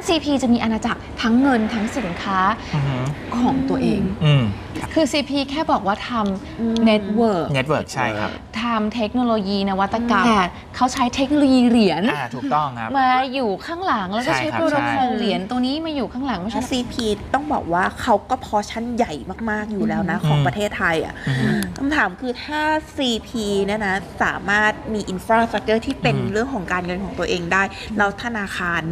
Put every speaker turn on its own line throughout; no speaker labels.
CP จะมีอาณาจักรทั้งเงินทั้งสินค้าของตัวเองคือ CP แค่บอกว่าทำเน็ตเวิร์ก
ใช่ครับ
ทำเทคโนโลยีนวัตกรรมแต่เขาใช้เทคโนโลยีเหรียญ
ถูกต้องครับ
มาอยู่ข้างหลังแล้วก็ใช้โปรโตคอลเหรียญตัวนี้มาอยู่ข้างหลังไม่ใช่
CP ต้องบอกว่าเขาก็พอชั้นใหญ่มากๆอยู่แล้วนะของประเทศไทยอ่ะคำถามคือถ้า CP เนี่ยนะสามารถมีอินฟราสตรัคเจอร์ที่เป็นเรื่องของการเงินของตัวเองได้แล้วธนาคาร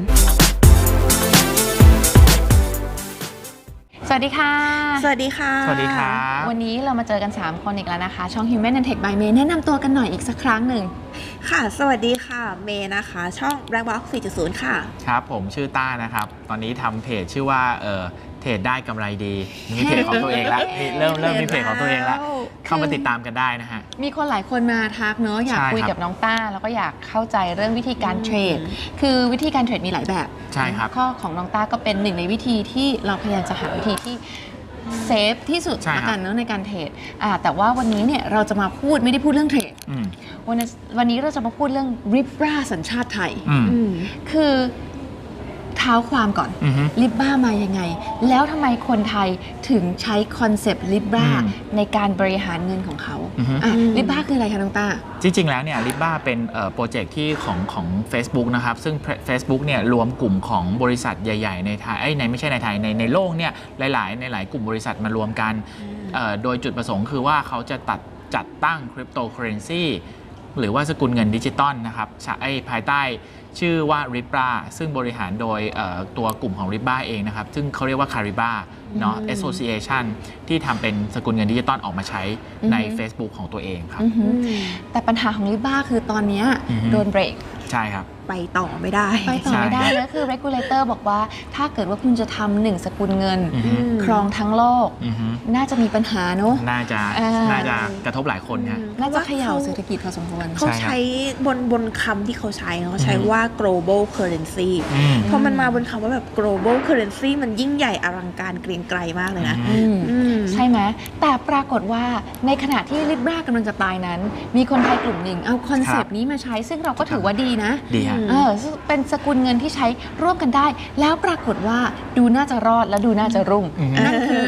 สวัสดีค่ะ
สวัสดีค่ะ
สวัสดีค่ะ
วันนี้เรามาเจอกัน3คนอีกแล้วนะคะช่อง Human and Tech by May แนะนำตัวกันหน่อยอีกสักครั้งหนึ่ง
ค่ะสวัสดีค่ะเมย์นะคะช่อง Black Box 4.0 ค่ะ
ครับผมชื่อต้านะครับตอนนี้ทำเพจชื่อว่าเทรดได้กำไรดีมีเพจของตัวเองแล้วเริ่มมีเพจของตัวเองแล้วเข้ามาติดตามกันได้นะฮะ
มีคนหลายคนมาทักเนอะอยากคุยกับน้องต้าแล้วก็อยากเข้าใจเรื่องวิธีการเทรดคือวิธีการเทรดมีหลายแบบ
ใช่ครับ
ข้อของน้องต้าก็เป็นหนึ่งในวิธีที่เราพยายามจะหาวิธีที่เซฟที่สุดละกันเนอะในการเทรดแต่ว่าวันนี้เนี่ยเราจะมาพูดไม่ได้พูดเรื่องเทรดวันนี้เราจะมาพูดเรื่อง Libra สัญชาติไทยคือเท้าความก่อน Libra มายังไงแล้วทำไมคนไทยถึงใช้คอนเซปต์ Libra ในการบริหารเงินของเขา Libra คืออะไรคะน้องต้า
จริงๆแล้วเนี่ย Libra เป็นโปรเจกต์ที่ของ Facebook นะครับซึ่ง Facebook เนี่ยรวมกลุ่มของบริษัทใหญ่ๆในไทยไม่ใช่ในไทยในโลกเนี่ยหลายกลุ่มบริษัทมารวมกันโดยจุดประสงค์คือว่าเขาจะจัดตั้งคริปโตเคอเรนซีหรือว่าสกุลเงินดิจิตอลนะครับภายใต้ชื่อว่า Libra ซึ่งบริหารโดยตัวกลุ่มของ Libra เองนะครับซึ่งเขาเรียกว่า Cariba เนาะ Association ที่ทำเป็นสกุลเงินดิจิตอลออกมาใช้ใน Facebook ของตัวเองครับ
แต่ปัญหาของ Libra คือตอนนี้โดนเบรก
ใช่ครับ
ไปต่อไม่ได้
แล้วคือ regulator บอกว่าถ้าเกิดว่าคุณจะทำหนึ่งสกุลเงินครองทั้งโลกน่าจะมีปัญหาเนอะ
น่าจะกระทบหลายคนครับ
น่าจะเขย่าเศรษฐกิจพอสมควร
เขาใช้บนคำที่เขาใช้ว่า global currency พอมันมาบนคำว่าแบบ global currency มันยิ่งใหญ่อลังการเกรียงไกรมากเลยนะ
ใช่ไหมแต่ปรากฏว่าในขณะที่ Libra กำลังจะตายนั้นมีคนไทยกลุ่มหนึ่งเอาคอนเซปต์นี้มาใช้ซึ่งเราก็ถือว่าดีนะเป็นสกุลเงินที่ใช้ร่วมกันได้แล้วปรากฏว่าดูน่าจะรอดและดูน่าจะรุ่งนั่นคือ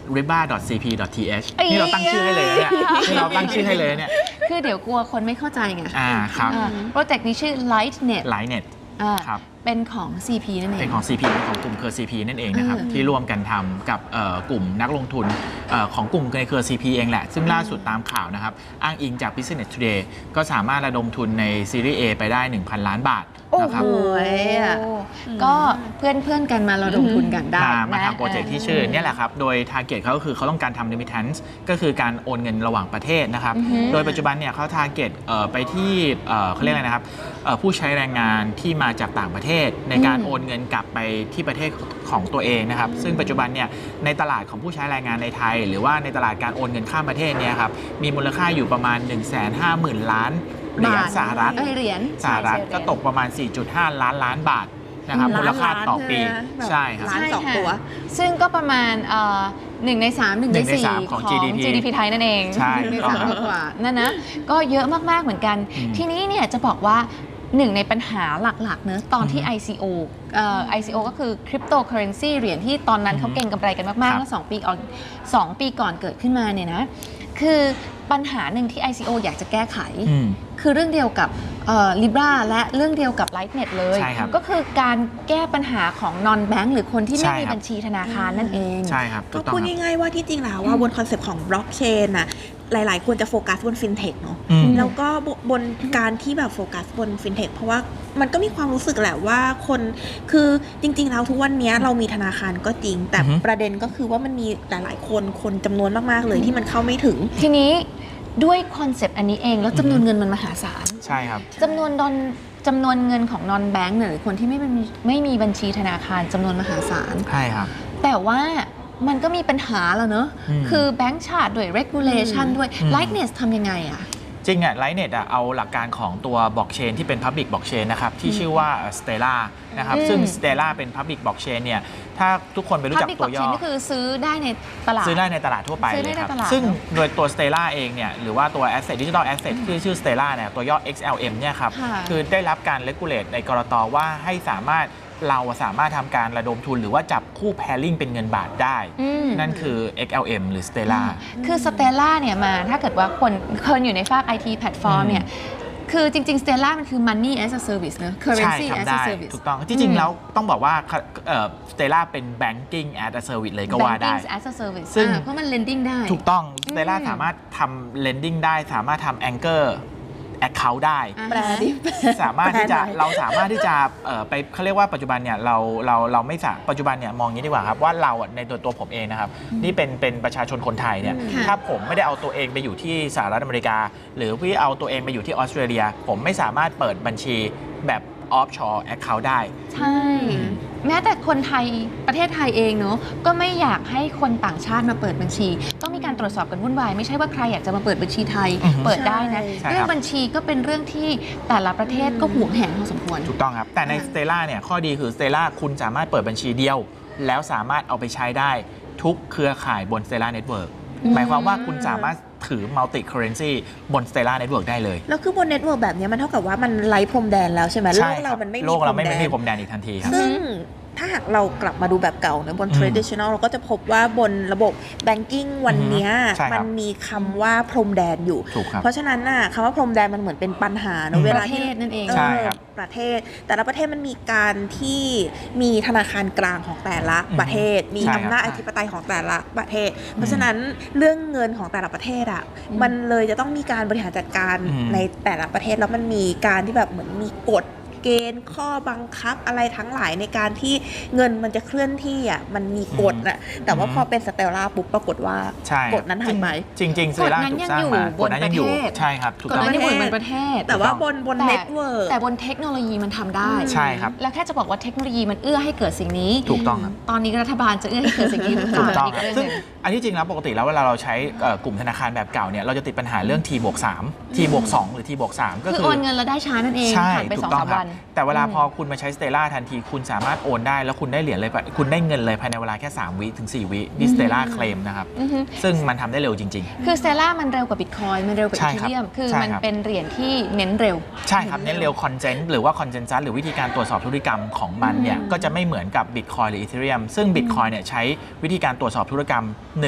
riba.cp.th นี่เราตั้งชื่อให้เลยเนี่ยนี่เราตั้งชื่อให้เลยเนี่ย
คือเดี๋ยวกลัวคนไม่เข้าใจไง
ครับ
โปรเจกต์นี้ชื่อ Lightnet
ครับ
เป็นของ CP นั่นเอง
เป็นของ CP เป็นของกลุ่มเครือ CP นั่นเองนะครับที่ร่วมกันทำกับกลุ่มนักลงทุนของกลุ่มในเครือ CP เองแหละซึ่งล่าสุดตามข่าวนะครับอ้างอิงจาก Business Today ก็สามารถระดมทุนในซีรีส์ A ไปได้ 1,000 ล้านบาทนะครับ
ก็เพื่อนกันมาระดมทุนกันได้
มาทำโปรเจกต์ที่ชื่อนี่แหละครับโดย target เขาก็คือเขาต้องการทำ remittance ก็คือการโอนเงินระหว่างประเทศนะครับโดยปัจจุบันเนี่ยเขา target ไปที่เขาเรียกอะไรนะครับผู้ใช้แรงงานที่มาจากต่างประเทศในการโอนเงินกลับไปที่ประเทศของตัวเองนะครับซึ่งปัจจุบันเนี่ยในตลาดของผู้ใช้แรงงานในไทยหรือว่าในตลาดการโอนเงินข้ามประเทศเนี่ยครับมีมูลค่าอยู่ประมาณ 150,000 ล้านเหรียญสหรัฐก็ตกประมาณ 4.5 ล้านบาทนะครับมูลค่าต่อปีใช่ครับ
ล้านสองตัว
ซึ่งก็ประมาณ1 ใน 3 1 ใน 4 ของ GDP ไทยนั่นเอง
ใช่
กว่านั่นนะก็เยอะมากๆเหมือนกันทีนี้เนี่ยจะบอกว่าหนึ่งในปัญหาหลักๆเนอะตอนที่ ICO ก็คือ Cryptocurrency เหรียญที่ตอนนั้นเขาเก่งกำไรกันมากๆเมื่อ2 ปีก่อนเกิดขึ้นมาเนี่ยนะคือปัญหาหนึ่งที่ ICO อยากจะแก้ไขคือเรื่องเดียวกับLibra และเรื่องเดียวกับ Lightnet เลยก็คือการแก้ปัญหาของ non bank หรือคนที่ไม่มีบัญชีธนาคารนั่นเอง
ใช่ครับ
ก็พูดง่ายๆว่าที่จริงแล้วว่าบนคอนเซปต์ของ blockchain น่ะหลายๆคนจะโฟกัสบน fintech เนาะแล้วก็บนการที่แบบโฟกัสบน fintech เพราะว่ามันก็มีความรู้สึกแหละว่าคนคือจริงๆแล้วทุกวันนี้เรามีธนาคารก็จริงแต่ประเด็นก็คือว่ามันมีหลายๆคนจำนวนมากๆเลยที่มันเข้าไม่ถึง
ทีนี้ด้วยคอนเซปต์อันนี้เองแล้วจำนวนเงินมันมหาศาล
ใช่ครับ
จำนวนเงินของ non bank หรือคนที่ไม่มีบัญชีธนาคารจำนวนมหาศาล
ใช่ครับ
แต่ว่ามันก็มีปัญหาแล้วเนอะคือแบงก์ชาติด้วย regulation ด้วย Lightnet ทำยังไงอะ
จริงอะLightnetเอาหลักการของตัวบล็อกเชนที่เป็น Public Blockchain นะครับที่ชื่อว่า Stellar นะครับซึ่ง Stellar เป็น Public Blockchain เนี่ยถ้าทุกคนไปรู้จักตัวย่อ
Public Blockchain นี่คือซื้อได้ในตลาด
ทั่วไปเลยครับซึ่งโดยตัว Stellar เองเนี่ยหรือว่าตัว Asset Digital Asset ที่ชื่อ Stellar เนี่ยตัวย่อ XLM เนี่ยครับคือได้รับการ regulate ในกรต.ว่าให้สามารถเราสามารถทำการระดมทุนหรือว่าจับคู่ pairing เป็นเงินบาทได้ นั่นคือ XLM หรือ Stellar
คือ Stellar เนี่ยมาถ้าเกิดว่าคนอยู่ในฝาก IT แพลตฟอร์มเนี่ยคือจริงๆ Stellar มันคือ Money as a Service เนอะ Currency
ใช่
as
ทำ
a
ได้
Service
ถูกต้องที่จริงแล้วต้องบอกว่า Stellar เป็น Banking as a Service เลยก็ว่าได้
Banking as a Service
ซึ่ง
เพราะมัน lending ได้
ถูกต้อง Stellar สามารถทำ lending ได้สามารถทำ Anchor account ได้
อ่า
แปลดิ
สามารถที่จะ
แปลหน่อย
เราสามารถที่จะไปเขาเรียกว่าปัจจุบันเนี่ยเราไม่สาปัจจุบันเนี่ยมองอย่างนี้ดีกว่าครับว่าเราในตัวผมเองนะครับนี่เป็นประชาชนคนไทยเนี่ย
ค่ะ
ถ้าผมไม่ได้เอาตัวเองไปอยู่ที่สหรัฐอเมริกา หรือพี่เอาตัวเองไปอยู่ที่ออสเตรเลีย ผมไม่สามารถเปิดบัญชีแบบ offshore account ได้
ใช่ แม้แต่คนไทยประเทศไทยเองเนอะก็ไม่อยากให้คนต่างชาติมาเปิดบัญชี ต้องมีการตรวจสอบกันวุ่นวายไม่ใช่ว่าใครอยากจะมาเปิดบัญชีไทย
อือฮึ
เปิดได้นะ
ใช่ครับ
เรื่องบัญชีก็เป็นเรื่องที่แต่ละประเทศก็ห่วงแหนพอสมควร
ถูกต้องครับ แต่ใน Stellar เนี่ยข้อดีคือ Stellar คุณสามารถเปิดบัญชีเดียว แล้วสามารถเอาไปใช้ได้ทุกเครือข่ายบน Stellar Network หมายความว่าคุณสามารถถือ multi currency บน Stellar Network ได้เลย
แล้วคือบนเน็ตเวิร์กแบบนี้มันเท่ากับว่ามันไร้พรมแดนแล้วใช่ไหมโล
ใช่
ก
ค
เรา
บ
มันไม่มี
โลกเราไม่
พรมแดน
มีพรมแดนอีกทันทีครับ
ซึ่งถ้าหากเรากลับมาดูแบบเก่านะบน traditional เราก็จะพบว่าบนระบบ banking วันเนี้ย
ใช่ครับ
มันมีคำว่าพรมแดนอยู่
ถูกครับ
เพราะฉะนั้นน่ะคำว่าพรมแดนมันเหมือนเป็นปัญหาเนอะเว
ป
ลา
ระเท
ที่
ศนั่นเอง
ใช่ครับ
ประเทศ แต่ละประเทศมันมีการที่มีธนาคารกลางของแต่ละประเทศ มี
ใช่ครับ
อำนาจอธิปไตยของแต่ละประเทศ เพราะฉะนั้นเรื่องเงินของแต่ละประเทศอ่ะมันเลยจะต้องมีการบริหารจัดการในแต่ละประเทศแล้วมันมีการที่แบบเหมือนมีกฎเกณฑ์ข้อบังคับอะไรทั้งหลายในการที่เงินมันจะเคลื่อนที่อ่ะมันมีกฎน่ะแต่ว่าพอเป็นสเตลล่าปุ๊บปรากฏว่า
ใช่
กฎนั้นหายไป
จริงๆ Stellar
กฎนั้น
ถูก
ยัง
สร้าง
อยู่
มา
บ
ก
น
ฎนั้นยังอยู่
ประเทศ
ใช่ครับถูก
ก่อน
ต้อง
หน้านี้เหมือนเป็นประเทศ
แต่ว่าบน
แต่
เน็ตเวิร์ก
แต่บนเทคโนโลยีมันทำได้
ใช่ครับ
แล้วแค่จะบอกว่าเทคโนโลยีมันเอื้อให้เกิดสิ่งนี้
ถูกต้องครับ
ตอนนี้รัฐบาลจะเอื้อให้เกิดสิ่งนี้หรือเป
ถู
ล่าก
ต้อง
อีก
ครับ
เรื่อง
ซึ่ง
หนึ่ง
อันที่จริงแล้วปกติแล้วเวลาเราใช้กลุ่มธนาคารแบบเก่าเนี่ยเราจะติดปัญหาเรื่อง T+3 T+2 หรือ T+3 ก็
คือ
คือ
โอนเงินแล้วได้ช้านั่นเอง
ใช่
ผ่านไป
ถู
สอก ง
ต้อง
สาม
ครั
วั
บ
น
แต่เวลาพอคุณมาใช้ Stellar ทันทีคุณสามารถโอนได้แล้วคุณได้เหรียญเลยคุณได้เงินเลยภายในเวลาแค่3 วิถึง 4 วินี่ Stellar เคลมนะครับ
อือฮึ
ซึ่งมันทำได้เร็วจริง
คือสเตล่ามันเร็วกว่าบิตคอยมันเร็วกว่า
ใช่
อี
ครับ
เทีเรียมคือ
ใช่
มัน
ครับ
เป็นเหรียญที่เน้นเร็ว
ๆ ใช่ครับ เน้นเร็วคอนเจนต์หรือว่าคอนเจนซัสหรือวิธีการตรวจสอบธุรกรรมของมันเนี่ยก็จะไม่เหมือนกับ Bitcoin หรือ Ethereum ซึ่ง Bitcoin เนี่ยใช้วิธีการตรวจสอบธุรกรรม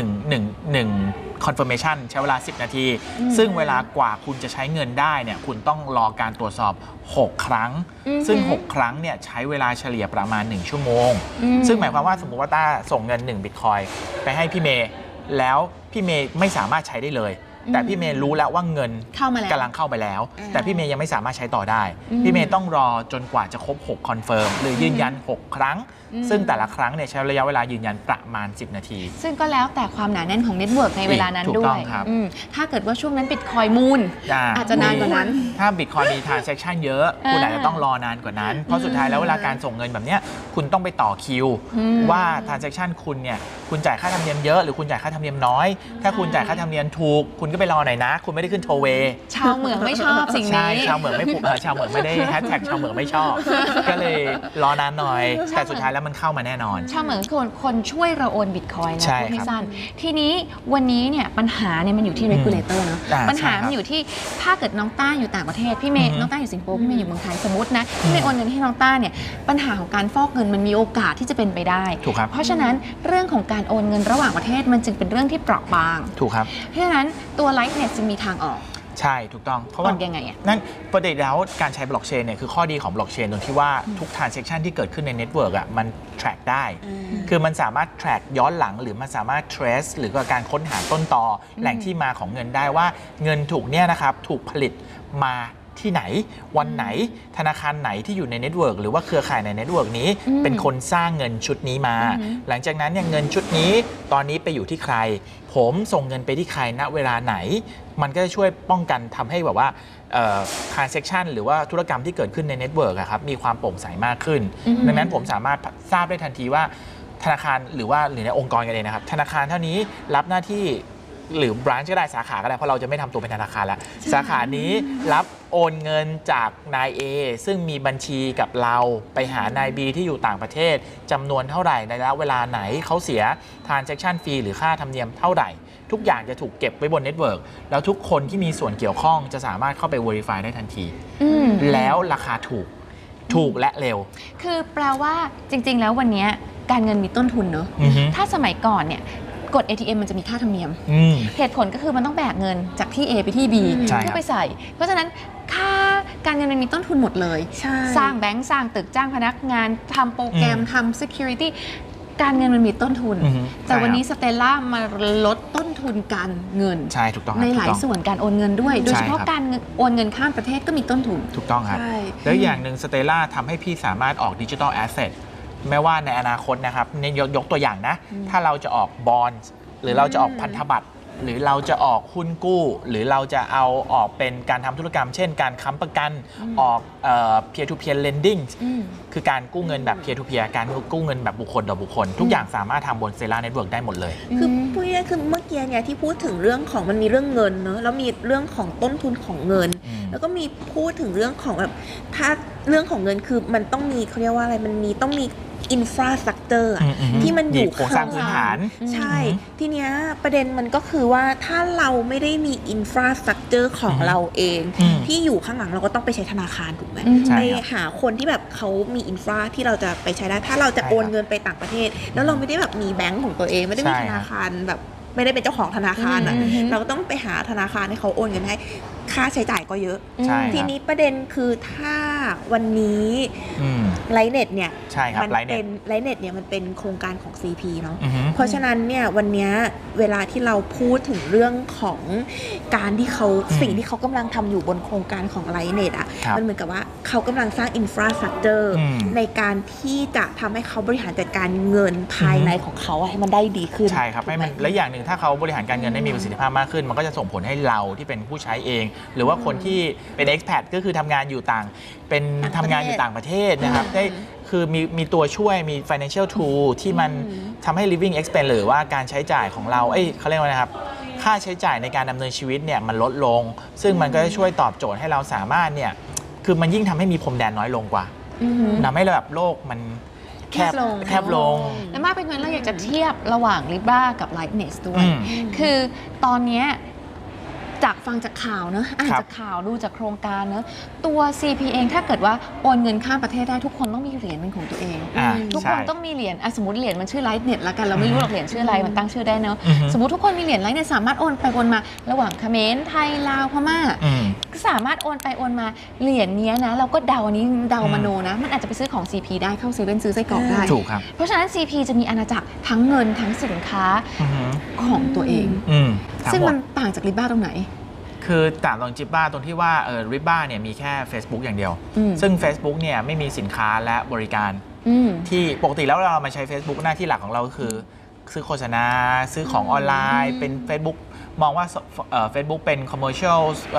1 confirmation ใช้เวลา 10 นาที ซึ่งเวลากว่าคุณจะใช้เงินได้เนี่ยคุณต้องรอการตรวจสอบ 6 ครั้ง ซึ่ง 6 ครั้งเนี่ยใช้เวลาเฉลี่ยประมาณ 1 ชั่วโมง ซึ่งหมายความว่าสมมติว่าต้าส่งเงิน1 Bitcoin ไปให้พี่เมย์แล้วพี่เมย์ไม่สามารถใช้ได้เลย แต่พี่เมย์รู้แล้วว่าเงิน
เข้ามาแล้ว
กำลังเข้าไปแล้ว แต่พี่เมย์ยังไม่สามารถใช้ต่อได้
อืม
พี่เมย์ต้องรอจนกว่าจะครบ 6 คอนเฟิร์มหรือยืนยัน 6 ครั้ง ซึ่งแต่ละครั้งเนี่ยใช้ระยะเวลายืนยันประมาณ 10 นาที
ซึ่งก็แล้วแต่ความหนาแน่นของเน็ตเวิร์กในเวลานั้น
ถูก
ด้
ต้
ว
อง
ย
ครับ
ถ้าเกิดว่าช่วงนั้นบิตคอยมูล อาจจะนานกว่านั้น
ถ้า Bitcoin มี transaction เยอะ คุณอาจจะต้องรอนานกว่านั้น เพราะสุดท้ายแล้วเวลาการส่งเงินแบบเนี้ยคุณต้องไปต่อคิว ว่า transaction คุณเนี่ยคุณจ่ายค่าธรรมเนียมเยอะหรือคุณจ่ายค่าธรรมเนียมน้อย ถ้าคุณจ่ายค่าธรรมเนียมถูก คุณก็ไปรอหน่อยนะ คุณไม่ได้ขึ้นโทเว
ชาวเหมืองไม่ชอบสิ่ง
ใช่
นี้
ชาวเหมืองไม่ผูกชาวเหมืองไม่ได้แฮชแท็กชาวเหมืองไม่ชอบ ก็เลยรอนานหน่อย แต่สุดท้ายแล้วมันเข้ามาแน่นอน
ชาวเหมืองคนช่วยเราโอนบิตคอยน์นะ
ใช่
พูดให้
ครับ
สั้นทีนี้วันนี้เนี่ยปัญหาเนี่ยมันอยู่ที่ regulator เนอะ ปัญหา
ใช่ครับ
มันอยู่ที่ถ้าเกิดน้องต้าอยู่ต่างประเทศพี่เมย์น้องต้าอยู่สิงคโปร์พี่เมย์อยู่เมืองไทยสมมตินะพี่เมย์โอนเงินให้น้องต้าเนี่ยปัญหาของการฟอกเงินมันมีโอกาสที่จะเป็นไปได้
ถูกครับ
เพราะฉะนั้นเรื่องของการโอนเงินระหว่างประเทศมันจึงเป็นเรื่องที่เปราะบาง
ถูกครับ
เพราะฉะนั้นตัว Lightnet จึงมีทางออก
ใช่ถูกต้องเพราะ
อ
ว่า
อกยังไงอะ
นั่นประเด็นแล้วการใช้บล็อกเชนเนี่ยคือข้อดีของบล็อกเชนตรงที่ว่าทุก transaction ที่เกิดขึ้นในเน็ตเวิร์กอ่ะมัน track ได้ คือมันสามารถ track ย้อนหลังหรือมันสามารถ trace หรือก็การค้นหาต้นตอแหล่งที่มาของเงินได้ว่าเงินถูกเนี่ยนะครับถูกผลิตมาที่ไหนวันไหนธนาคารไหนที่อยู่ในเน็ตเวิร์กหรือว่าเครือข่ายในเน็ตเวิร์กนี้เป็นคนสร้างเงินชุดนี้มา หลังจากนั้นเนี่ยเงินชุดนี้ตอนนี้ไปอยู่ที่ใครผมส่งเงินไปที่ใครณเวลาไหน มันก็จะช่วยป้องกันทำให้แบบว่าtransaction หรือว่าธุรกรรมที่เกิดขึ้นในเน็ตเวิร์กครับมีความโปร่งใสมากขึ้น ดังนั้นผมสามารถทราบได้ทันทีว่าธนาคารหรือในองค์กรกันเองนะครับธนาคารเท่านี้รับหน้าที่หรือ branch ก็ได้สาขาก็ได้เพราะเราจะไม่ทำตัวเป็นธนาคารแล้วสาขานี้รับโอนเงินจากนาย A ซึ่งมีบัญชีกับเราไปหานาย B ที่อยู่ต่างประเทศจำนวนเท่าไหร่ในระยะเวลาไหนเขาเสีย transaction fee หรือค่าธรรมเนียมเท่าไหร่ทุกอย่างจะถูกเก็บไว้บนเน็ตเวิร์กแล้วทุกคนที่มีส่วนเกี่ยวข้องจะสามารถเข้าไป verify ได้ทันทีแล้วราคาถูกถูกและเร็ว
คือแปลว่าจริงๆแล้ววันนี้การเงินมีต้นทุนเนอะ
อือฮึ
ถ้าสมัยก่อนเนี่ยกด ATM มันจะมีค่าธรรมเนียม
อืม
เหตุผลก็คือมันต้องแบกเงินจากที่ A ไปที่ B
ใช่ครับ
เพื่อไปใส่ เพราะฉะนั้นค่าการเงินมันมีต้นทุนหมดเลย
ใช่
สร้างแบงก์สร้างตึกจ้างพนักงานทำโปรแกรมทำ security การเงินมันมีต้นทุน
อือฮึ
แต่วันนี้
ใช่ครับ
สเตลล่ามาลดต้นทุนการเงิน
ใช่ถูกต้องครับ
ในหลาย
ถูกต้อง
ส่วนการโอนเงินด้วย โดยเฉพาะ
ใช่ครับ
การโอนเงินข้ามประเทศก็มีต้นทุน
ถูกต้องครับ
ใช่
แล้วอย่างหนึ่งสเตล่าทำให้พี่สามารถออกดิจิทัลแอสเซทแม้ว่าในอนาคตนะครับเนี่ยยกตัวอย่างนะ ถ้าเราจะออกบอนด์หรือเราจะออกพันธบัตรหรือเราจะออกหุ้นกู้ หรือเราจะเอาออกเป็นการทำธุรกรรม เช่นการค้ำประกันออกpeer to peer lending คือการกู้เงินแบบ peer to peer การกู้เงินแบบบุคคลต่อบุคคล ทุกอย่างสามารถทำบน Stellar Network ได้หมดเลย
คือพูดง่ายๆคือเมื่อกี้เนี่ยที่พูดถึงเรื่องของมันมีเรื่องเงินเนอะแล้วมีเรื่องของต้นทุนของเงิน แล้วก็มีพูดถึงเรื่องของแบบถ้าเรื่องของเงินคือมันต้องมีเขาเรียกว่าอะไรมันมีต้องมีอินฟราสตรักเจอร์ที่มันอยู่
โครงสร้างพื้นฐาน
ใช่ ทีเนี้ยประเด็นมันก็คือว่าถ้าเราไม่ได้มีอินฟราสตรักเจอร์ของเราเอง ที่อยู่ข้างหลังเราก็ต้องไปใช้ธนาคารถูกไหม
ใช่
ไป
ครับ
หาคนที่แบบเขามีอินฟราที่เราจะไปใช้ได้ถ้าเราจะโอนเงินไปต่างประเทศ แล้วเราไม่ได้แบบมีแบงก์ของตัวเอง ไม่ได้มี
ใช่
ธ
ครับ
นาคารแบบไม่ได้เป็นเจ้าของธนาคารอ่ะ
อืม
เราก็ต้องไปหาธนาคารให้เขาโอนเงินให้ค่าใช้จ่ายก็เยอะ
ใช่ครับ
ทีนี้ประเด็นคือถ้าวันนี้
อืม
ไลเน็ตเนี่ย
ใช่ครับ
มั
Lightnet
เป็นไลเน็ตเนี่ยมันเป็นโครงการของ CP เนาะ
อือฮึ
เพราะฉะนั้นเนี่ยวันเนี้ยเวลาที่เราพูดถึงเรื่องของการที่เขาสิ่งที่เขากำลังทำอยู่บนโครงการของไลเน็ตอ่ะ
ครับ
มันเหมือนกับว่าเขากำลังสร้างอินฟราสตรักเจอร์
อืม
ในการที่จะทำให้เขาบริหารจัดการเงินภายในของเขาอะให้มันได้ดีขึ้น
ใช่ครับให้มัน
ถูกไห
และอย่างหนึ่งถ้าเขาบริหารการเงินได้มีประสิทธิภาพมากขึ้น มันก็จะส่งผลให้เราที่เป็นผู้ใช้เอง หรือว่าคนที่เป็น expat ก็คือทำงานอยู่เป็น
ต่างประเทศ
ทำงานอยู่ต่างประเทศนะครับได้คือมีตัวช่วยมี financial tool ที่มันทำให้ living expense หรือว่าการใช้จ่ายของเราเขาเรียกว่านะครับ ค่าใช้จ่ายในการดำเนินชีวิตเนี่ยมันลดลง ซึ่งมันก็จะช่วยตอบโจทย์ให้เราสามารถเนี่ยคือมันยิ่งทำให้มีพรมแดนน้อยลงกว่า
อือฮึ
ทำให้แบบโลกมันแคบ
แคบลง
ลง
และมากเป็นนั้นเราอยากจะเทียบระหว่าง Libra กับ Lightness ด้วย
อืม
คือตอนเนี้ยจากฟังจากข่าวเนอะอ่าน
ครับ
จากข่าวดูจากโครงการเนอะตัว CP เองถ้าเกิดว่าโอนเงินข้ามประเทศได้ทุกคนต้องมีเหรียญเป็นของตัวเอง ทุกคน
ใช่
ต้องมีเหรียญสมมติเหรียญมันชื่อ Lightnet ละกันเราไม่รู้หรอกเหรียญชื่ออะไรมันตั้งชื่อได้เนอะ
อือฮึ
สมมติทุกคนมีเหรียญ Lightnet สามารถโอนไปโอนมาระหว่างเขมรไทยลาวพม่า
อืม
ก็สามารถโอนไปโอนมาเหรียญเนี้ยนะเราก็เดาอันนี้เดามโนนะ มันอาจจะไปซื้อของ CP ได้เข้าเซเว่นซื้อไส้กรอกได้
ถูกครับ
เพราะฉะนั้น CP จะมีอาณาจักรทั้งเงินทั้งสินค้า
อือฮึ
ของตัวเอง
ทั้
ซึ่ง
หม
มั
ด
นต่างจาก Libra ตรงไหน
คือต่างตรงจิบบ้าตรงที่ว่าริบบ้าเนี่ยมีแค่ Facebook อย่างเดียว
อืม
ซึ่ง Facebook เนี่ยไม่มีสินค้าและบริการ
อืม
ที่ปกติแล้วเรามาใช้ Facebook หน้าที่หลักของเราก็คือ ซื้อโฆษณา ซื้อของออนไลน์ เป็น Facebook มองว่าFacebook เป็น commercial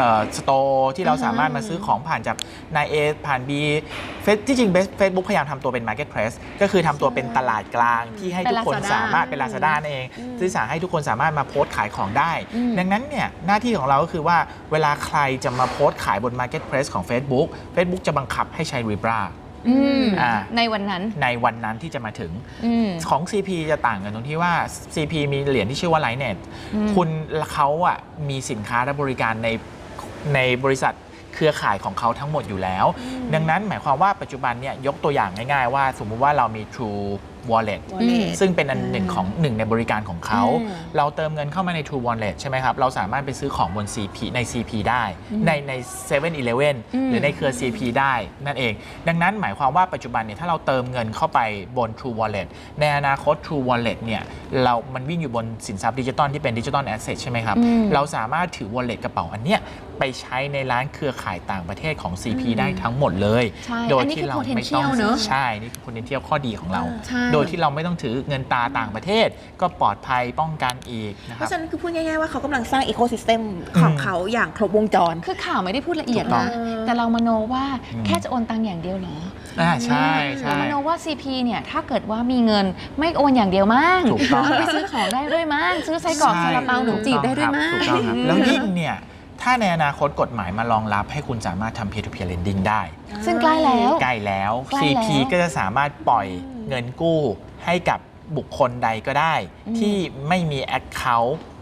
store ที่เราสามารถมาซื้อของผ่านจากนาย A ผ่าน B ที่จริง Facebook พยายามทำตัวเป็น marketplace ก็คือทำตัวเป็นตลาดกลางที่ให้ทุกคน
เป็น Lazada
สามารถเป็น Lazada นั่นเองที่สามารถให้ทุกคนสามารถมาโพสต์ขายของได้
อืม
ดังนั้นเนี่ยหน้าที่ของเราก็คือว่าเวลาใครจะมาโพสต์ขายบน marketplace ของ Facebook จะบังคับให้ใช้ Libra
อืม
อ่า
ในวันนั้น
ในวันนั้นที่จะมาถึง
อืม
ของ CP จะต่างกันตรงที่ว่า CP มีเหรียญที่ชื่อว่า Lightnet
อืม
คุณเขาอะมีสินค้าและบริการในบริษัทเครือข่ายของเขาทั้งหมดอยู่แล้ว ดังนั้นหมายความว่าปัจจุบันเนี่ยยกตัวอย่างง่ายๆว่าสมมุติว่าเรามี True Wallet
Wallet
ซึ่งเป็นอันหนึ่งในบริการของเขา
อืม
เราเติมเงินเข้ามาใน True Wallet ใช่ไหมครับ เราสามารถไปซื้อของบน CP ใน CP ได้ ใน7-Eleven หรือในเครือ CP ได้นั่นเอง ดังนั้นหมายความว่าปัจจุบันเนี่ยถ้าเราเติมเงินเข้าไปบน True Wallet ในอนาคต True Wallet เนี่ยมันวิ่งอยู่บนสินทรัพย์ดิจิตอลที่เป็นดิจิตอลแอสเซทใช่ไหมครับ
อืม
เราสามารถถือ Wallet กระเป๋าอันเนี้ยไปใช้ในร้านเครือข่ายต่างประเทศของ CP ได้ทั้งหมดเลย
ใช่
โดย
อันนี้
ที่
คือ
เราไม่ต้อง
potential เนอะ
ใช่นี่คือ potential ข้อดีของเรา
ใช่
โดยที่เราไม่ต้องถือเงินตราต่างประเทศ ก็ปลอดภัยป้องกันอีกนะค
เพ
รับ
ราะฉะนั้นคือพูดง่ายๆว่าเขากำลังสร้างอีโคซิสเต็มของเขาอย่างครบวงจร
คือข่าวไม่ได้พูดละเอียด
ถูกต้อ
นะ
ง
แต่เรามโนว่า
อืม
แค่จะโอนตังค์อย่างเดียวเหรอ
ใช่ใช่
เรามโนว่า CP เนี่ยถ้าเกิดว่ามีเงินไม่โอนอย่างเดียวมั้ง
ถูกต้อง
ไปซื้อของได้ด้วยมั้งซื้อไส้กรอกซาลาเปาหนมจีบได้ด้วยมั้ง
ถูกต้องครับแล้วยิ่งเนี่ยถ้าในอนาคตกฎหมายมารองรับให้คุณสามารถทำ peer to peer lending ได้
ซึ่งใกล้แล้ว
ใกล้แล้ว
ใกล้แล้ว
CP ก็จะสามารถปล่อยเงินกู้ให้กับบุคคลใดก็ได้ ที่ไม่มี Account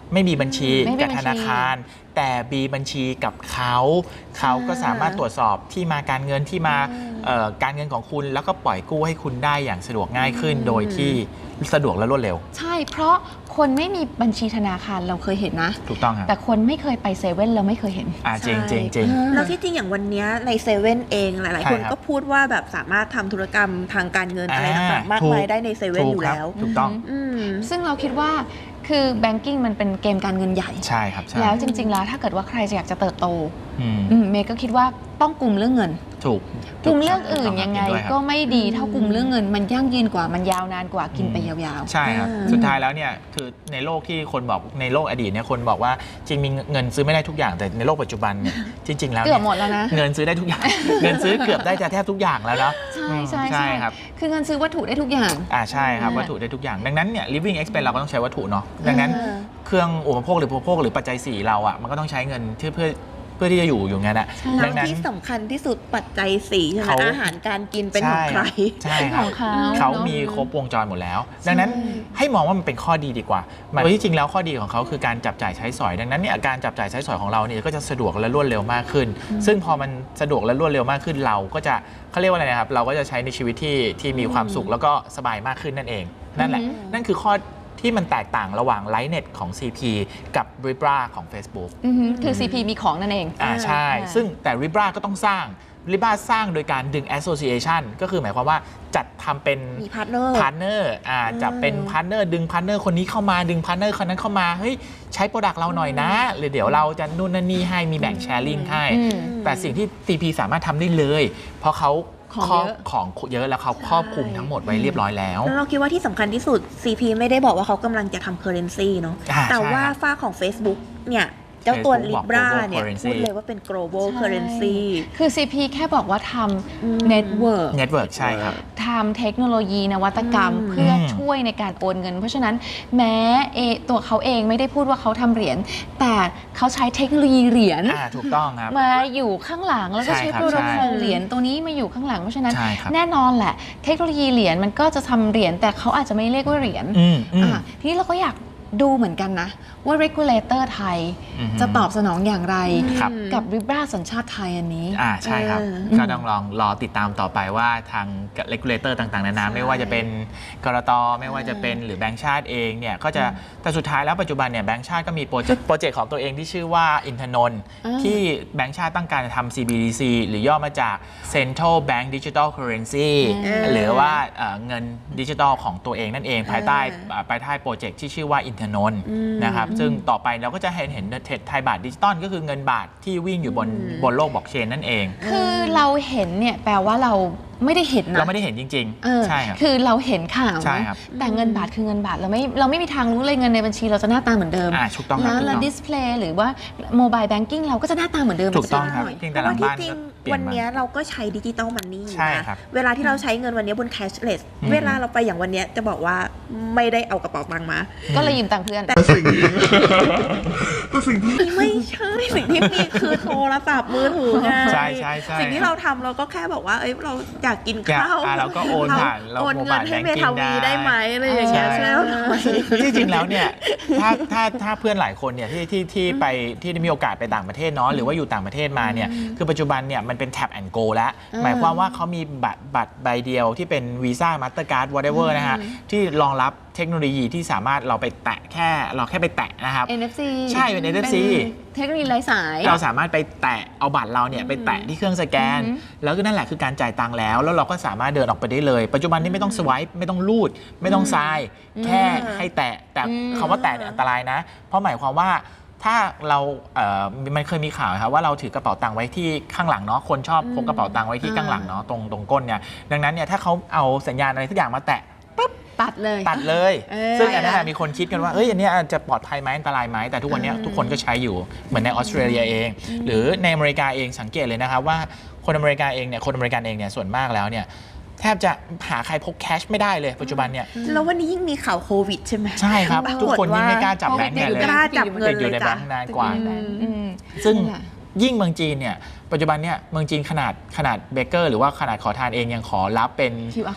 ไม่มีบัญชี
ไม่มี
กับ
บัญชี
ธนาคาร แต่มีบัญชีกับเขาก็สามารถตรวจสอบที่มาการเงินที่มาการเงินของคุณแล้วก็ปล่อยกู้ให้คุณได้อย่างสะดวกง่ายขึ้น โดยที่สะดวกและรวดเร็ว
ใช่เพราะคนไม่มีบัญชีธนาคารเราเคยเห็นนะ
ถูกต้องครับ
แต่คนไม่เคยไปเซเว่นเราไม่เคยเห็น
จริงจริงจริง
แล้วที่จริงอย่างวันเนี้ยในเซเว่นเองหลายๆ คน
ใช่ครับ
ก็พูดว่าแบบสามารถทำธุรกรรมทางการเงินอะไรต่างๆมาก
ถูก
มายได้ในเซเว่น
ถู
อก ยู่
ครับ
แล้ว
ถูกต้อง
อืม
ซึ่งเราคิดว่าคือ banking มันเป็นเกมการเงินใหญ่
ใช่ครับใช่
แล้วจริง ๆ แล้วถ้าเกิดว่าใครจะอยากจะเติบโต
อืม
เมย์ก็คิดว่าต้องกลุ่มเรื่องเงิน
ถูก
กลุ่มเรื่องอื่นยังไง
เห็นด้วยครับ
ก็ไม่ดีเท่ากลุ่มเรื่องเงิน มันยั่งยืนกว่ามันยาวนานกว่ากินไปยาวๆ
ใช่ครับ สุดท้ายแล้วเนี่ยคือในโลกที่คนบอกในโลกอดีตเนี่ยคนบอกว่าจริงมีเงินซื้อไม่ได้ทุกอย่างแต่ในโลกปัจจุบันเนี่ยจริง ๆ แล้ว
เกือบหมดแล้วนะ
เงินซื้อได้ทุกอย่าง เงินซื้อเกือบได้จะแทบทุกอย่างแล้วเนาะ
ใช่ใช่
ใช่ครับ
คือเงินซื้อวัตถุได้ทุกอย่าง
ใช่ครับวัตถุได้ทุกอย่างดังนั้นเนี่ย living expense เราก็ต้องใช้วัตถุเนาะดังนั้น
เออ
เครื่องอุปโภคหรืออุปโภคหรือปัจจัย4เราอ่ะมันก็ต้องใช้เงินเพื่อที่จะอยู่งั้นอ่ะ
แล้
ดั
ว
งนั้น
ที่สำคัญที่สุดปัจจัย4ใช่ไหม
เขา
อาหารการกินเป็นของใคร
ใช่
เป็น
ค
ข
รับ
องเขา
เขา
เนอะ
มีครบวงจรหมดแล้ว ดังนั้นให้มองว่ามันเป็นข้อดีดีกว่าโดยที่จริงแล้วข้อดีของเขาคือการจับจ่ายใช้สอย ดังนั้นเนี่ยการจับจ่ายใช้สอยของเราเนี่ยก็จะสะดวกและรวดเร็วมากขึ้น ซึ่งพอมันสะดวกและรวดเร็วมากขึ้นเราก็จะเขาเรียกว่าอะไรนะครับเราก็จะใช้ในชีวิตที่มีความสุขแล้วก็สบายมากขึ้นนั่นเอง นั่นแหละ นั่นคือข้อที่มันแตกต่างระหว่าง Lightnet ของ CP กับ Libra ของ Facebook
คือ CP มีของนั่นเอง
ใช่ ซึ่งแต่ Libra ก็ต้องสร้าง Libra สร้างโดยการดึง Association ก็คือหมายความว่าจัดทำเป็น
มีพาร์ทเนอร์
พาร์ทเนอร์จะเป็นพาร์ทเนอร์ดึงพาร์ทเนอร์คนนี้เข้ามาดึงพาร์ทเนอร์คนนั้นเข้ามาเฮ้ยใช้โปรดักต์เราหน่อยนะหรือเดี๋ยวเราจะนู่นนั่นนี่ให้มีแบ่งแชร์ลิงให้ แต่สิ่งที่ CP สามารถทำได้เลย เพราะเขา
ของเยอะ
ของเยอะแล้วเขาครอบคลุมทั้งหมดไว้เรียบร้อยแล้ว
แล้วเราคิดว่าที่สำคัญที่สุด CP ไม่ได้บอกว่าเขากำลังจะทำ currency เนาะ แต่ว่า
ใช่ครับ
ฝ้าของ Facebook เนี่ยเจ้าตัว
Facebook บอก
Libra
global
เนี่ย
currency
พูดเลยว่าเป็น global
ใช่
currency
คือ CP แค่บอกว่าทำ network
Network ใช่ครับ
ทำเทคโนโลยีนวัตกรรมเพื่อช่วยในการโอนเงิน เพราะฉะนั้นแม้ตัวเขาเองไม่ได้พูดว่าเขาทำเหรียญแต่เขาใช้เทคโนโลยีเหรียญ
ถูกต้องครับ
มาอยู่ข้างหลังแล้วก็
ใช่
ใช้
ครับ
โปรโตคอล
ใช่
เหรียญตัวนี้มาอยู่ข้างหลังเพราะฉะนั้น
ใช่ครับ
แน่นอนแหละ เทคโนโลยีเหรียญมันก็จะทำเหรียญแต่เขาอาจจะไม่เรียกว่าเหรียญ ทีนี้เราก็อยากดูเหมือนกันนะว่า regulator ไทย
อือฮึ
จะตอบสนองอย่างไร
ครับ
กับ Libra สัญชาติไทยอันนี้
ใช่ครับ ก็ต้องลองรอติดตามต่อไปว่าทาง regulator ต่างๆนานา
ใช่
ไม่ว่าจะเป็นกรตไม่ว่าจะเป็นหรือแบงก์ชาติเองเนี่ยก็จะแต่สุดท้ายแล้วปัจจุบันเนี่ยแบงก์ชาติก็มีโปรเจกต์ของตัวเองที่ชื่อว่าอินทนนท์ที่แบงก์ชาติตั้งการจะทำ CBDC หรือย่อมาจาก Central Bank Digital Currency หรือว่าเงินดิจิทัลของตัวเองนั่นเองภายใต้โปรเจกต์ที่ชื่อว่าอินทนนท์นะครับซึ่งต่อไปเราก็จะเห็นไทยบาทดิจิตอลก็คือเงินบาทที่วิ่งอยู่บนโลกบล็อกเชนนั่นเอง
คือเราเห็นเนี่ยแปลว่าเราไม่ได้เห็นนะ
เราไม่ได้เห็นจริง ๆ ใช่ครับ
คือเราเห็นข่าว
ใช่
นะครับ แต่เงินบาทคือเงินบาทเราไม่มีทางรู้เลยเงินในบัญชีเราจะหน้าตาเหมือนเดิม
ถูกต้องครับ
แล้ว
ถูกต้อง
ดิสเพลย์หรือว่าโมบายแบงกิ้งเราก็จะหน้าตาเหมือนเดิม
ถูกต้องครับ
หน่อย
เพียง
เพ
แต่
ราะ
หลั
ว่าง ที่
บ้าน
จริง
ก็เปลี่ย
วัน น
มา
เนี้ยเราก็ใช้ดิจิตอลมันนี่
ใช่
นะครับ เวลาที่เราใช้เงินวันเนี้ยบน cashless เวลาเราไปอย่างวันเนี้ยจะบอกว่าไม่ได้เอากระเป๋าตังค์มา
ก็เลยยืมตังค์เพื่อน
ไม่ใช่สิ่งที่มีคือโทรศัพท์มือถือไง
ใช่
สิ่งที่เราทำเราก็แค่บอกว่าเอ้ยเราอยากกิน
อยาก
ข้าว
เราก็โอนผ่านเรา
โอนเงินให้เม
mobile
ทาวี
banking
ได้ไหมอะไรอย่างเงี้ย
ใช่
ใช่ไหม
ที่จริงแล้วเนี่ยถ้าเพื่อนหลายคนเนี่ยที่ได้มีโอกาสไปต่างประเทศเนาะหรือว่าอยู่ต่างประเทศมาเนี่ยคือปัจจุบันเนี่ยมันเป็น tap and go แล้วหมายความว่าเขามีบัตรใบเดียวที่เป็น Visa Mastercard whatever นะฮะที่รองรับเทคโนโลยีที่สามารถเราไปแตะเราแค่ไปแตะนะครับ
NFC
ใช่เป็น NFC
เทคโนโลยีไร้สาย
เราสามารถไปแตะเอาบัตรเราเนี่ยไปแตะที่เครื่องสแกน แล้วก็นั่นแหละคือการจ่ายตังค์แล้วเราก็สามารถเดินออกไปได้เลย ปัจจุบันนี้ไม่ต้องสวายไม่ต้องรูด ไม่ต้องทราย แค่ให้แตะแต่คำว่าแตะเนี่ยอันตรายนะ เพราะหมายความว่าถ้าเรามันเคยมีข่าวครับว่าเราถือกระเป๋าตังค์ไว้ที่ข้างหลังเนาะคนชอบพกกระเป๋าตังค์ไว้ที่ข้างหลังเนาะตรงก้นเนี่ยดังนั้นเนี่ยถ้าเขาเอาสัญญาณอะไรสักอย่างมาแตะ
ตัดเลย
ตัดเลย ซึ่งอันนั้นมีคนคิดกันว่าอันนี้จะปลอดภัยไหมอันตรายไหมแต่ทุกวันนี้ทุกคนก็ใช้อยู่เหมือนในออสเตรเลียเอง หรือในอเมริกาเองสังเกตเลยนะครับว่าคนอเมริกาเองเนี่ยส่วนมากแล้วเนี่ยแทบจะหาใครพกแคชไม่ได้เลยปัจจุบันเนี่ย
แล้ววันนี้ยิ่งมีข่าวโควิดใช่ไหม
ใช่ครับ
ปรากฏ
ทุกคนยิ่งไม่กล้าจับ
ว่า
แบงค์เนี่ยเลย
กล้าจับเงิน
ติดอยู่ใน
เลย
แบ
จ้ะ
งค์นานกว่า
อืม
ซึ่ง
นั่นแหละ
ยิ่งเมืองจีนเนี่ยปัจจุบันเนี่ยเมืองจีนขนาดเบเกอร์หรือว่าขนาดขอทานเองยังขอรับเป็น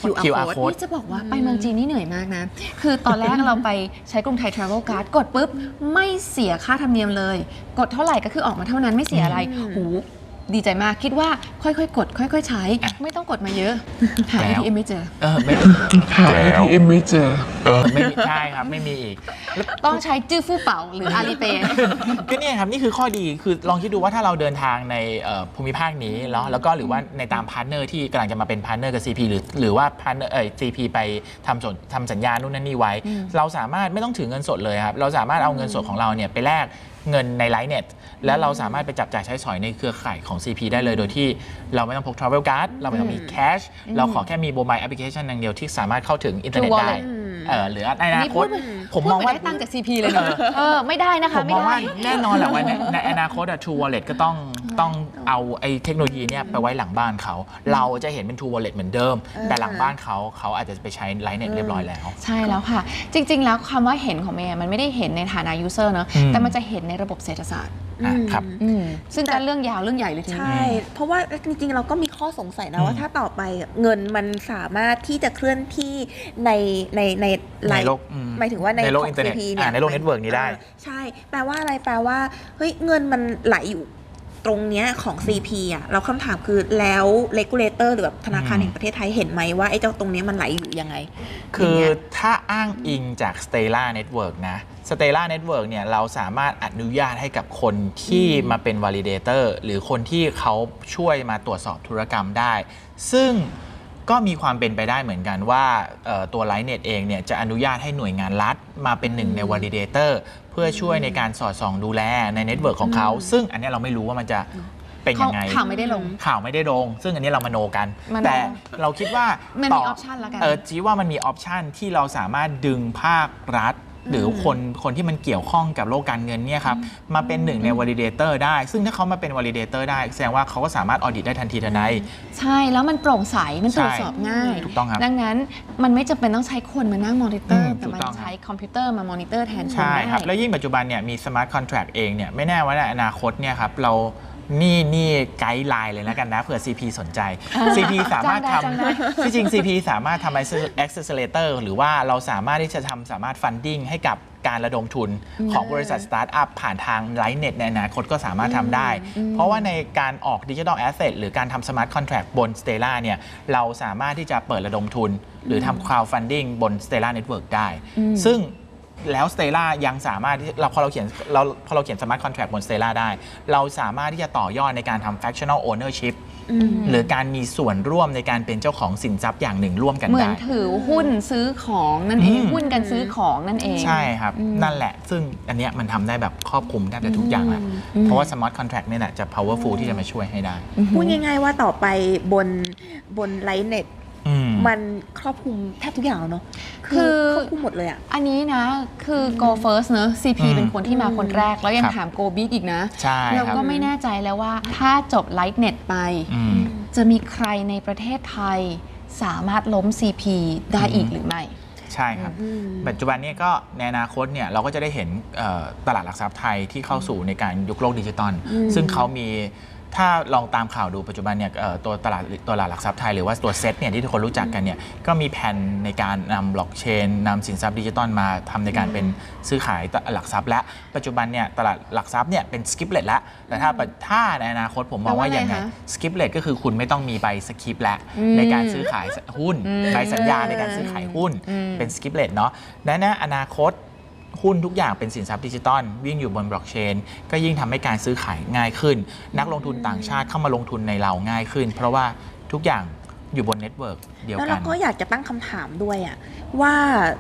QR code
นี่จะบอกว่าไปเมืองจีนนี่เหนื่อยมากนะ คือตอนแรกเราไปใช้กรุงไทย Travel Card กดปุ๊บ ไม่เสียค่าธรรมเนียมเลย กดเท่าไหร่ก็คือออกมาเท่านั้นไม่เสียอะไรหูดีใจมากคิดว่าค่อยๆกด ค่อยๆใช้ ไม่ต้องกดมาเยอะ หา ATM ไม่เจอ
ไม่
หา ATM ไม่เจอ
ไม่มีใช่ครับไม่มีอีก
ต้องใช้จื้อฟู่เป่าหรือ Alipay
ก็เนี่ยครับนี่คือข้อดีคือลองคิดดูว่าถ้าเราเดินทางในภูมิภาคนี้แล้วก็หรือว่าในตามพาร์ทเนอร์ที่กำลังจะมาเป็นพาร์ทเนอร์กับ CP หรือว่าพาร์ทเนอร์CP ไปทำสัญญานู่นนั่นนี่ไว้ เราสามารถไม่ต้องถือเงินสดเลยครับเราสามารถเอาเงินสดของเราเนี่ยไปแลกเงินในไลน์เน็ตแล้วเราสามารถไปจับจ่ายใช้สอยในเครือข่ายของ CP ได้เลยโดยที่เราไม่ต้องพก Travel Card เราไม่ต้องมีแคชเราขอแค่มีโมบายแอปพลิเคชันอย่างเดียวที่สามารถเข้าถึงอินเทอร์เน็ต
True
ได้
Wallet
หรือในอนาคตผมมองว่า
ได้ตังค์จาก CP เลยนะไม่ได้นะคะ
ผม
ไม่
มอง
ได้
ว่าแน่นอนแหละว่าในอนาคตTrue Wallet ก็ต้องเอาไอ้เทคโนโลยีเนี่ยไปไว้หลังบ้านเขาเราจะเห็นเป็น True Wallet เหมือนเดิม แต่หลังบ้านเขาอาจจะไปใช้ไลน์เน็ตเรียบร้อยแล้ว
ใช่แล้วค่ะ จริง ๆ แล้วคำว่าเห็นของเมย์มันไม่ได้เห็นในฐานะ user เนอะแต่มันจะเห็นในระบบเศรษฐศาสตร์
ครับ
ซึ่งเป็นเรื่องยาวเรื่องใหญ่เลยที
ใช่
นี้
เพราะว่าจริงๆเราก็มีข้อสงสัยนะว่าถ้าต่อไปเงินมันสามารถที่จะเคลื่อนที่ในไล
ใน
น์
โลก
หมายถึงว่าใน
โลก
ของ
อินเทอร์เน็ต
CP เนี่ย
ในโลกเน็ตเวิร์กนี้ได้
ใช่แปลว่าอะไรแปลว่าเฮ้ยเงินมันไหลอยู่ตรงเนี้ยของ CP อ่ะเราคำถามคือแล้ว regulator หรือแบบธนาคารแห่งประเทศไทยเห็นไหมว่าไอ้เจ้าตรงเนี้ยมันไหลอยู่ยังไง
คือถ้าอ้างอิงจาก Stella Network นะ Stella Network เนี่ยเราสามารถอนุญาตให้กับคนที่มาเป็น validator หรือคนที่เขาช่วยมาตรวจสอบธุรกรรมได้ ซึ่งก็มีความเป็นไปได้เหมือนกันว่าตัว Lightnet เองเนี่ยจะอนุญาตให้หน่วยงานรัฐมาเป็นหนึ่งใน validator เพื่อช่วยในการสอดส่องดูแลในเน็ตเวิร์กของเขา ซึ่งอันนี้เราไม่รู้ว่ามันจะเป็นยังไง
ข่าวไม่ได้ลง
ข่าวไม่ได้ลง ซึ่งอันนี้เรามโนกัน
มโน
แต่เราคิดว่า
มันมี
ต่
option แล้วกัน
ชี้ว่ามันมีออปชันที่เราสามารถดึงภาครัฐ หรือคนที่มันเกี่ยวข้องกับโลกการเงินเนี่ยครับมาเป็นหนึ่งใน validator ได้ ซึ่งถ้าเขามาเป็น validator ได้แสดงว่าเขาก็สามารถ audit ได้ทันทีทันใด
ใช่แล้วมันโปร่งใสมันตรวจสอบง่าย
ถูกต้องครับ
ดังนั้นมันไม่จำเป็นต้องใช้คนมานั่งมอนิเตอร์แต่
ถูก
มัน
ต้อง
ใช้คอมพิวเตอร์มามอนิเตอร์แทนคน
ใช่
ได้
ครับ แล้วยิ่งปัจจุบันเนี่ยมี smart contract เองเนี่ยไม่แน่ว่าในอนาคตเนี่ยครับเรานี่ไกด์ไลน์เลยแล้วกันนะเผื่อ CP สนใจ CP สามารถท
จ้างได้
ำที่จริง CP สามารถทำ accelerator หรือว่าเราสามารถที่จะสามารถ funding ให้กับการระดมทุนของบริษัทสตาร์ทอัพผ่านทาง Lightnet ในอนาคตก็สามารถทำได้ เพราะว่าในการออกดิจิทัลแอสเซทหรือการทำ smart contract บน Stella เนี่ยเราสามารถที่จะเปิดระดมทุน หรือทำ crowdfunding บน Stella Network ได้ ซึ่งแล้ว Stella ยังสามารถที่พอเราเขียน smart contract บน Stella ได้ เราสามารถที่จะต่อยอดในการทำ fractional ownership หรือการมีส่วนร่วมในการเป็นเจ้าของสินทรัพย์อย่างหนึ่งร่วมกัน
เหมือน
ได้
ถือหุ้นซื้อของนั่นเอง หุ้นกันซื้อของนั่นเอง
ใช่ครับ นั่นแหละ ซึ่งอันเนี้ยมันทำได้แบบครอบคลุมแทบจะทุกอย่างแหละเพราะว่า smart contract เนี่ยแหละจะ powerful ที่จะมาช่วยให้ได้
พูดง่ายๆว่าต่อไปบนไลน์เน็ต
อืม
มันครอบคลุมแทบทุกอย่างแล้วเนาะ
คือ
ครอบคลุมหมดเลยอะ
อันนี้นะคือ go first เนอะ CP เป็นคนที่มาคนแรก แล้วยัง
ครับ
ถาม go big อีกนะ
ใช่
เรา
ครับ
ก็ไม่แน่ใจแล้วว่าถ้าจบ Lightnet ไป
อืม
จะมีใครในประเทศไทยสามารถล้ม CP ได้อีกหรือไม่
ใช่ครับ ปัจจุบันนี้ก็ในอนาคตเนี่ยเราก็จะได้เห็นตลาดหลักทรัพย์ไทยที่เข้าสู่ในการยุคโลกดิจิตอลซึ่งเขามีถ้าลองตามข่าวดูปัจจุบันเนี่ยตัวตลาดหลักทรัพย์ไทยหรือว่าตัวเซ็ตเนี่ยที่ทุกคนรู้จักกันเนี่ยก็มีแผนในการนำบล็อกเชนนำสินทรัพย์ดิจิตอลมาทำในการเป็นซื้อขายหลักทรัพย์และปัจจุบันเนี่ยตลาดหลักทรัพย์เนี่ยเป็นสกิปเลตแล้วแต่ถ้าในอนาคตผมมองว่าอย่างไง
แปลว่าอะไรคะ
สกิปเลตก็คือคุณไม่ต้องมีใบสกิปแล้วในการซื้อขายหุ้นใบสัญญาในการซื้อขายหุ้นเป็นสกิปเลตเนาะและในอนาคตหุ้นทุกอย่างเป็นสินทรัพย์ดิจิตอลวิ่งอยู่บนบล็อกเชนก็ยิ่งทำให้การซื้อขายง่ายขึ้น นักลงทุนต่างชาติเข้ามาลงทุนในเราง่ายขึ้น เพราะว่าทุกอย่างอยู่บนเน็ตเวิร์กเดียว
แล้ว
กั
เรา
น
ก็อยากจะตั้งคำถามด้วยอะว่า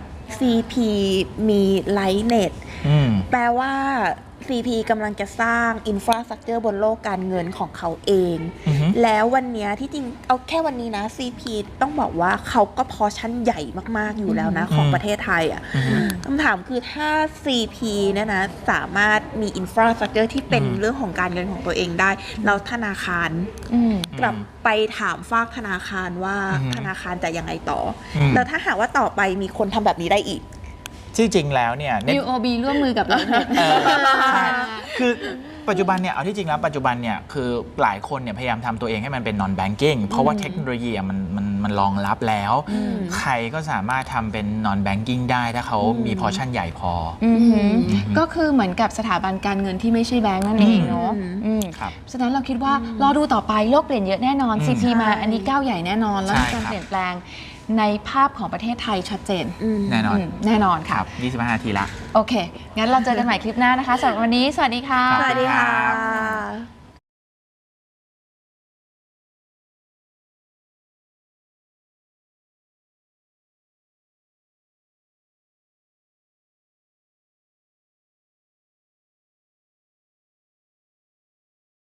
CP มีไลน์เน็ต
อืม
แปลว่า CP กำลังจะสร้างอินฟราสตรักเจอร์บนโลกการเงินของเขาเอง
อือฮึ
แล้ววันเนี้ยที่จริงเอาแค่วันนี้นะ CP ต้องบอกว่าเขาก็พอชั่นใหญ่มากๆอยู่แล้วนะของประเทศไทยอ่ะคำถามคือถ้า CP เนี่ยนะสามารถมีอินฟราสตรักเจอร์ที่เป็นเรื่องของการเงินของตัวเองได้แล้วธนาคารกลับไปถามฝากธนาคารว่าธนาคารจะยังไงต่ออ
ม
แล้วถ้าหากว่าต่อไปมีคนทำแบบนี้ได้อีก
ที่จริงแล้วเนี่ย
UOB ร่วมมือกับ Lightnet
ใช่คือปัจจุบันเนี่ยเอาที่จริงแล้วปัจจุบันเนี่ยคือหลายคนเนี่ยพยายามทำตัวเองให้มันเป็น non banking เพราะว่าเทคโนโลยีมันรองรับแล้ว ใครก็สามารถทำเป็น non banking ได้ถ้าเขามีพอชั่นใหญ่พอ
ก็คือเหมือนกับสถาบันการเงินที่ไม่ใช่แบงก์นั่นเองเนาะฉะนั้นเราคิดว่ารอดูต่อไปโลกเปลี่ยนเยอะแน่นอน CP มาอันนี้ก้าวใหญ่แน่นอนแล้วมีการเปลี่ยนแปลงในภาพของประเทศไทยชัดเจน
แน่นอน
แน่นอนค่ะ
25 นาทีละ
โอเคงั้นเราเจอกันใหม่คลิปหน้านะคะสำหรับวันนี้สวัสดีค่ะ
สวัสดีค่ะ